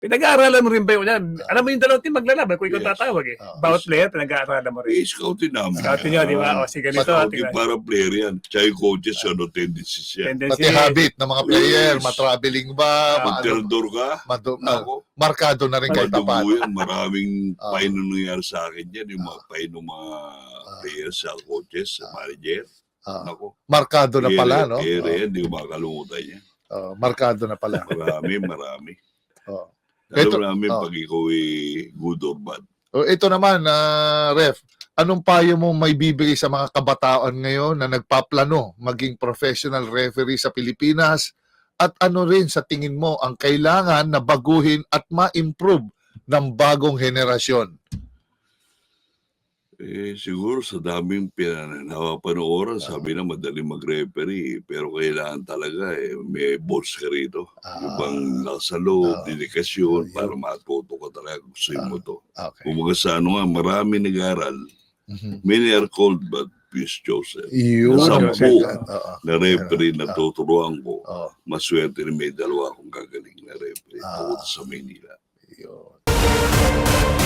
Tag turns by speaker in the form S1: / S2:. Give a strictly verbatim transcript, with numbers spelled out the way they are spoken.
S1: Pinag-aaralan mo rin ba yun? Yan?
S2: Ah.
S1: Alam mo yung dalawang team maglalaban kung ikaw
S3: Yes.
S1: tatawag eh.
S2: Ah.
S1: Bawat player, pinag-aaralan mo rin.
S3: I-scoutin namin.
S1: Scoutin nyo, di ba? O, sige, ganito.
S3: Scouting
S1: tingnan.
S3: para player yan. Tsaka yung coaches, ano, tendencies yan.
S1: Tendency.
S2: Pati habit ng mga player,
S3: Yes.
S2: matraveling ba,
S1: Ah,
S2: maano,
S3: Materdor ka,
S2: madu- ah,
S3: ako,
S2: markado na rin kahit
S3: madugo
S2: paano.
S3: yan. Maraming
S2: Ah.
S3: pain na nangyari sa akin yan. Yung mga pain ng mga players, sa coaches, sa manager.
S2: Ah,
S3: Ako.
S2: markado na pala, no?
S3: Ere, hindi ko makakalimutan yan.
S2: Oh, markado na pala.
S3: Marami, marami.
S2: Oh.
S3: Alam
S2: Ito-
S3: namin
S2: oh.
S3: pag ikaw ay good or bad.
S2: O, ito naman, ah, Ref, anong payo mo may bibigay sa mga kabataan ngayon na nagpaplano maging professional referee sa Pilipinas? At ano rin sa tingin mo ang kailangan na baguhin at ma-improve ng bagong henerasyon?
S3: Eh, siguro sa daming pinanapanooran, sabi na madaling mag-referee, pero kailangan talaga eh, may balls ka rito.
S2: Ah.
S3: Yung bang nasa loob,
S2: Ah.
S3: dedikasyon,
S2: Ah,
S3: para matuto ka talaga kung gusto mo to.
S2: Okay.
S3: Kung sa ano nga, marami nag-aral.
S2: Mhm.
S3: Many are called but few is chosen.
S2: Yun.
S3: Sampu
S2: Oo.
S3: na referee na
S2: Ah.
S3: tuturuan ko,
S2: Oo.
S3: maswerte rin may dalawa akong gagaling na referee
S2: Ah.
S3: tungkol sa Maynila.
S2: Yun.